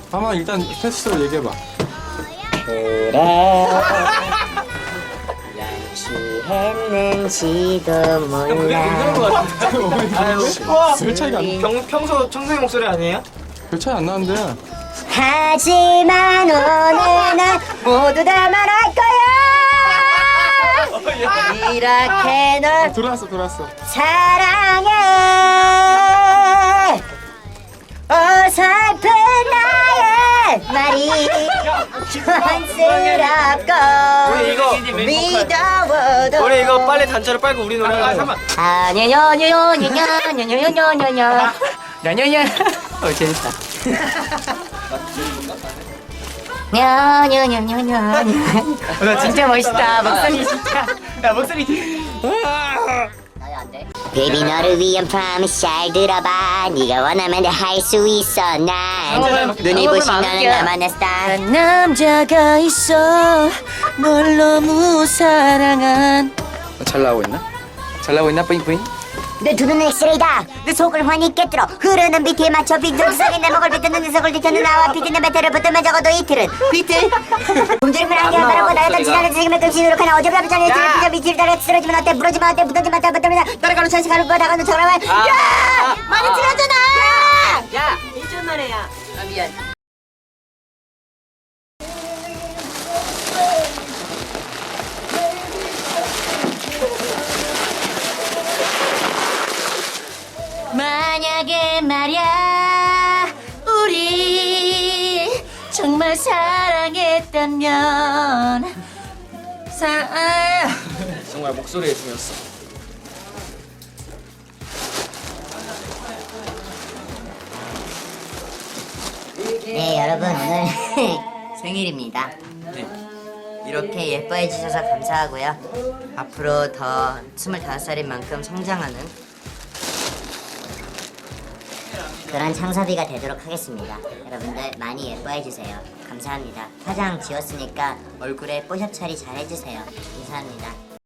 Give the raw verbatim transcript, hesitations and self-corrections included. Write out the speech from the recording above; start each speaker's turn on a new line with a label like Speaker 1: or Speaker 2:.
Speaker 1: 한번 일단 패스로 얘기해봐.
Speaker 2: 그래 양치했는지도 몰라.
Speaker 1: 별 차이가 안,
Speaker 3: 평, 평소 청소의 목소리 아니에요?
Speaker 1: 별 차이 안 나는데.
Speaker 2: 하지만 오늘은 모두 다 말할 거야. 이렇게 널
Speaker 1: 들어왔어 들어왔어.
Speaker 2: 사랑해. 어설픈 나의 말이 촌스럽고
Speaker 3: 우리 이거
Speaker 2: 미워도
Speaker 3: 우리 이거 빨리 단체로 빨고 우리 노래 아 잠깐
Speaker 2: 아냐냐냐냐냐냐냐냐냐
Speaker 3: 야냐냐 어 재밌다
Speaker 2: 냐냐냐냐냐
Speaker 3: 나 진짜 멋있다 목소리 진짜 야 목소리
Speaker 2: 베이비 너를 위한 프로미스 잘 들어봐. 네가 원하면 다 할 수 있어. 난 눈이 부신 너는 나만의 스타일. 남자가 있어 널 너무 사랑한.
Speaker 3: 잘 나오고 있나? 잘 나오고 있나 뿌잉뿌잉?
Speaker 2: 내 두 눈은 엑스레이다. 내 속을 환히 깨뜨려 흐르는 비트에 맞춰 빈정상에 내 목을 비트는 내 속을 뒤트는 나와 비트는 배틀을 붙으면 적어도 이틀은 비틀 굶주림을 안개 한다라고 나였던 지난해 책임을 금시 노력하나 어제보다 비전에 이틀을 비전 비틀 따라 쓰러지면 어때 부러지면 어때 붙어지면 어때 붙으면 따라가는 찬스 가는 거야 나가는 척을 하면 야! 많이 틀어잖아!
Speaker 4: 야, 일주일 만에 야. 아 미안.
Speaker 2: 만약에 말야 우리 정말 사랑했다면 사랑
Speaker 3: 정말 목소리에 중요했어
Speaker 2: 네 여러분 오늘 생일입니다.
Speaker 3: 네.
Speaker 2: 이렇게 예뻐해 주셔서 감사하고요. 앞으로 더 스물다섯 살인 만큼 성장하는 그런 창섭이가 되도록 하겠습니다. 여러분들 많이 예뻐해 주세요. 감사합니다. 화장 지웠으니까 얼굴에 뽀샵 처리 잘 해주세요. 감사합니다.